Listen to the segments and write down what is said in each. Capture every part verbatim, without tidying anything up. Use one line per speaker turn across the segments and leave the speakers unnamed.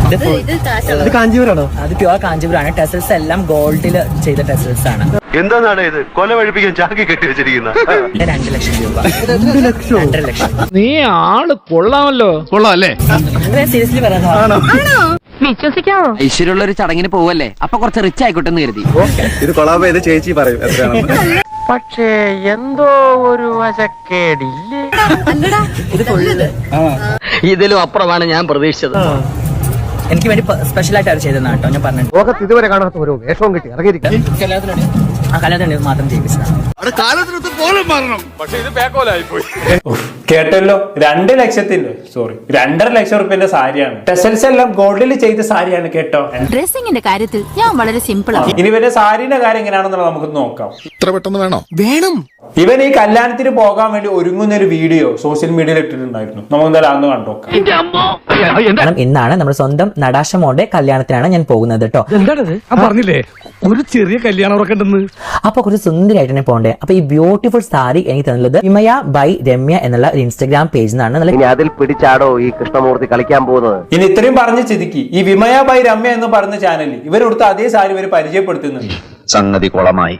ഇത് കാഞ്ചീപുരാണോ?
അത് pure കാഞ്ചീപുരാണ്. Tassels എല്ലാം ഗോൾഡിൽ ചെയ്ത ടെസൽസ് ആണ്.
എന്താണ് ഇത് കൊല വഴിപ്പിക്കാൻ ചാക്കി കെട്ടി വെച്ചിരിക്കുന്ന?
രണ്ട് ലക്ഷം രൂപ.
രണ്ട് ലക്ഷം
രണ്ടര ലക്ഷം.
നീ ആള് കൊള്ളാമല്ലോ.
കൊള്ളാം അല്ലേ?
സീരിയസ്ലി പറയുന്നതാണോ?
വിശ്വസിക്കാമോ? ഐശ്വര്യമുള്ള ഒരു ചടങ്ങിന് പോവല്ലേ, അപ്പൊ കുറച്ച് റിച്ച് ആയിക്കോട്ടെ എന്ന് കരുതി.
ഇത് കൊളാബ് ചെയ്ത് ചേച്ചി പറയും എത്രയാണെന്ന്.
പക്ഷേ എന്തോ ഒരു വശക്കേടില്ലേ.
ഇത് ഫുള്ള്
ഇതിലും അപ്പുറമാണ് ഞാൻ പ്രതീക്ഷിച്ചത്.
എനിക്ക് വേണ്ടി സ്പെഷ്യൽ ആയിട്ട് അവർ ചെയ്തതാണ് കേട്ടോ. ഞാൻ പറഞ്ഞു
ലോകത്ത് ഇതുവരെ കാണാത്ത ഒരു വേഷവും കിട്ടി ഇറങ്ങിയിരിക്കും.
ആ കല്യാണത്തിന് മാത്രം ചെയ്യിപ്പിച്ചതാണ്.
കേട്ടല്ലോ, രണ്ട് ലക്ഷത്തിന്റെ സോറി രണ്ടര ലക്ഷം റുപ്യന്റെ സാരിയാണ്. ടെസൽസ് എല്ലാം ഗോൾഡിൽ ചെയ്ത സാരിയാണ് കേട്ടോ.
ഡ്രസ്സിംഗിന്റെ കാര്യത്തിൽ ഞാൻ വളരെ സിമ്പിൾ ആണ്.
ഇനി ഇവന്റെ സാരിയുടെ കാര്യം എങ്ങനെയാണെന്നുള്ളത് നമുക്ക് നോക്കാം.
ഇത്ര പെട്ടെന്ന് വേണോ?
വേണം.
ഇവൻ ഈ കല്യാണത്തിന് പോകാൻ വേണ്ടി ഒരുങ്ങുന്ന ഒരു വീഡിയോ സോഷ്യൽ മീഡിയയിൽ ഇട്ടിട്ടുണ്ടായിരുന്നു. നമുക്ക് എന്തായാലും അന്ന് കണ്ടോക്കാം.
കാരണം ഇന്നാണ് നമ്മുടെ സ്വന്തം നടാശ മോന്റെ കല്യാണത്തിനാണ് ഞാൻ പോകുന്നത് കേട്ടോ.
എന്താണത്? പറഞ്ഞില്ലേ ഒരു ചെറിയ കല്യാണം ഉറക്കണ്ടെന്ന്.
അപ്പൊ കുറച്ച് സുന്ദരമായിട്ട് തന്നെ പോകണ്ടേ. അപ്പൊ ഈ ബ്യൂട്ടിഫുൾ സാരി എനിക്ക് തന്നുള്ളത് വിമയ ബൈ രമ്യ എന്നുള്ള ഒരു ഇൻസ്റ്റാഗ്രാം പേജിൽ നിന്നാണ്.
ഇനി അതിൽ പിടിച്ചാടോ ഈ കൃഷ്ണമൂർത്തി കളിക്കാൻ പോകുന്നത്?
ഇനി ഇത്രയും പറഞ്ഞ ചിതിക്ക് ഈ വിമയ ബൈ രമ്യ എന്ന് പറഞ്ഞ ചാനലിൽ ഇവരെടുത്ത അതേ സാരി ഇവർ പരിചയപ്പെടുത്തുന്നുണ്ട്.
സംഗതി കുളമായി.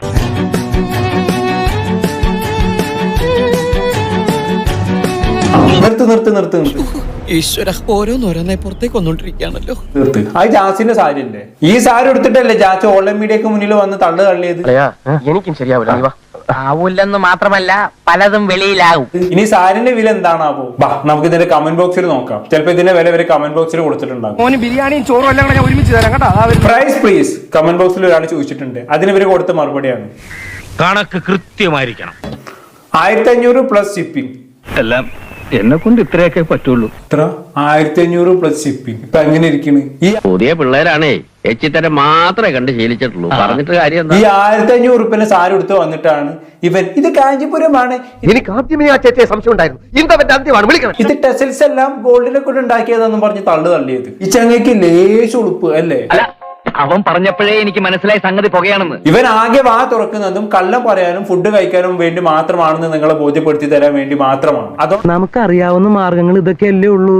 നിർത്ത് നിർത്ത് നിർത്ത് നിർത്ത്
ഈശ്വര, ഓരോന്നോരോന്നെ പുറത്തേക്ക് വന്നോണ്ടിരിക്കുകയാണല്ലോ.
നിർത്ത്. അത് ജാസിന്റെ സാരി അല്ലേ? ഈ സാരി എടുത്തിട്ടല്ലേ ജാസ് ഓൺലൈൻ മീഡിയക്ക് മുന്നിൽ വന്ന് തള്ളു തള്ളിയത്.
എനിക്കും ശരിയാവില്ല. ആവൂല്ലെന്ന് മാത്രമല്ല പലതും വെളിയിലാവും.
ഇനി സാരിന്റെ വില എന്താണാവോ? ബാ നമുക്ക് ഇതിന്റെ കമന്റ് ബോക്സിൽ നോക്കാം. ചിലപ്പോ ഇതിന്റെ വില ഇവര് കമന്റ് ബോക്സിൽ കൊടുത്തിട്ടുണ്ടാകും.
ബിരിയാണിയും ചോറും എല്ലാം കൂടെ ഞാൻ ഒരുമിച്ച് തരാം കേട്ടോ.
പ്രൈസ് പ്ലീസ് കമന്റ് ബോക്സിൽ ഒരാൾ ചോദിച്ചിട്ടുണ്ട്. അതിന് ഇവര് കൊടുത്ത മറുപടിയാണ്
കണക്ക് കൃത്യമായിരിക്കണം.
ആയിരത്തി അഞ്ഞൂറ് പ്ലസ് ഷിപ്പിംഗ്.
എല്ലാം എന്നെ കൊണ്ട് ഇത്രയൊക്കെ പറ്റുള്ളൂ.
ഇത്ര ആയിരത്തി അഞ്ഞൂറ് പ്ലസ് ഷിപ്പിംഗ്. ഇപ്പൊ എങ്ങനെ ഇരിക്കണ്? ഈ
പുതിയ പിള്ളേരാണേ എച്ചിത്തരം മാത്രമേ കണ്ട് ശീലിച്ചിട്ടുള്ളൂ. പറഞ്ഞിട്ട് കാര്യം
ഈ ആയിരത്തി അഞ്ഞൂറ് റുപ്യന്റെ സാരി എടുത്ത് വന്നിട്ടാണ് ഇവൻ ഇത് കാഞ്ചീപുരമാണ്.
എനിക്ക് ആദ്യമേ ആ ചേച്ചിയെ സംശയം ഉണ്ടായിരുന്നു. ഇന്തവന്റെ അന്ത്യമാണ് വിളിക്കണം.
ഇത് ടെസൽസ് എല്ലാം ഗോൾഡിനെ കൊണ്ട് ഉണ്ടാക്കിയതെന്നും പറഞ്ഞ് തള്ളു തള്ളിയത്. ഈ ചങ്ങയ്ക്ക് ലേശ ഉളുപ്പ് അല്ലേ?
അവൻ പറഞ്ഞപ്പോഴേ എനിക്ക് മനസ്സിലായി സംഗതി പുകയാണെന്ന്.
ഇവൻ ആകെ വാ തുറക്കുന്നതും കള്ളം പറയാനും ഫുഡ് കഴിക്കാനും വേണ്ടി മാത്രമാണെന്ന് നിങ്ങളെ ബോധ്യപ്പെടുത്തി തരാൻ വേണ്ടി മാത്രമാണ്. അതോ
നമുക്കറിയാവുന്ന മാർഗങ്ങൾ ഇതൊക്കെയല്ലേ ഉള്ളൂ.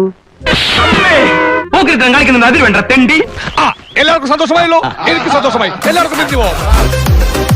കളിക്കുന്നത് അതിൽ വേണ്ട തെണ്ടി. എല്ലാവർക്കും സന്തോഷമായല്ലോ? എനിക്ക് സന്തോഷമായി. എല്ലാവർക്കും